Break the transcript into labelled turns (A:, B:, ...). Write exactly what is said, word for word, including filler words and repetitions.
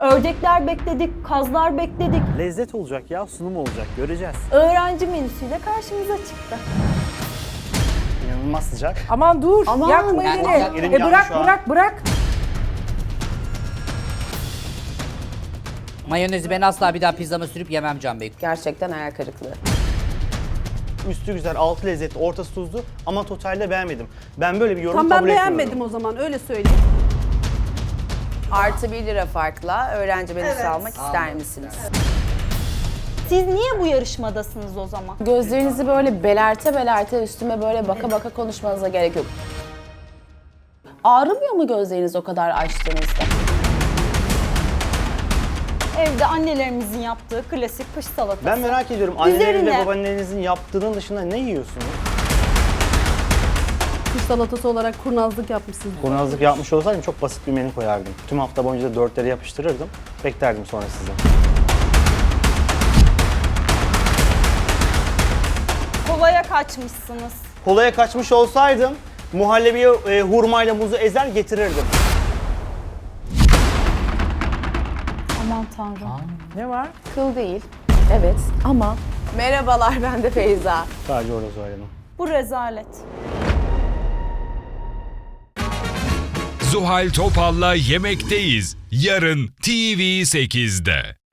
A: Ördekler bekledik, kazlar bekledik.
B: Lezzet olacak ya, sunum olacak, göreceğiz.
A: Öğrenci menüsüyle karşımıza çıktı.
B: İnanılmaz sıcak.
C: Aman dur,
D: Aman,
C: yakma
D: yani
C: elini.
D: yak-
B: elim
C: E
B: yandı
C: bırak,
B: şu an.
C: bırak, bırak.
E: Mayonezi ben asla bir daha pizzama sürüp yemem Can Bey.
D: Gerçekten hayal kırıklığı.
B: Üstü güzel, altı lezzetli, ortası tuzlu ama totalde beğenmedim. Ben böyle bir yorum
F: Tam ben
B: kabul etmiyorum.
F: beğenmedim o zaman, öyle söyleyeyim.
D: Artı bir lira farkla öğrenci menüsü almak ister misiniz?
A: Siz niye bu yarışmadasınız o zaman?
D: Gözlerinizi böyle belerte belerte üstüme böyle baka baka konuşmanıza gerek yok. Ağrımıyor mu gözleriniz o kadar açtığınızda?
A: Evde annelerimizin yaptığı klasik kış salatası.
B: Ben merak ediyorum, annelerin
A: Üzerine-
B: ve babaannelerinizin yaptığının dışında ne yiyorsunuz?
F: Kuş salatası olarak kurnazlık yapmışsınız.
B: Kurnazlık yapmış olsaydım çok basit bir menü koyardım. Tüm hafta boyunca da dörtleri yapıştırırdım. Beklerdim sonra sizi.
A: Kolaya kaçmışsınız.
B: Kolaya kaçmış olsaydım muhallebiye e, hurmayla muzu ezer getirirdim.
A: Aman tanrım.
C: Ne var?
D: Kıl değil. Evet ama... Merhabalar, ben de Feyza.
B: Sadece orada söyledim.
A: Bu rezalet.
G: Zuhal Topal'la Yemekteyiz. Yarın T V sekizde.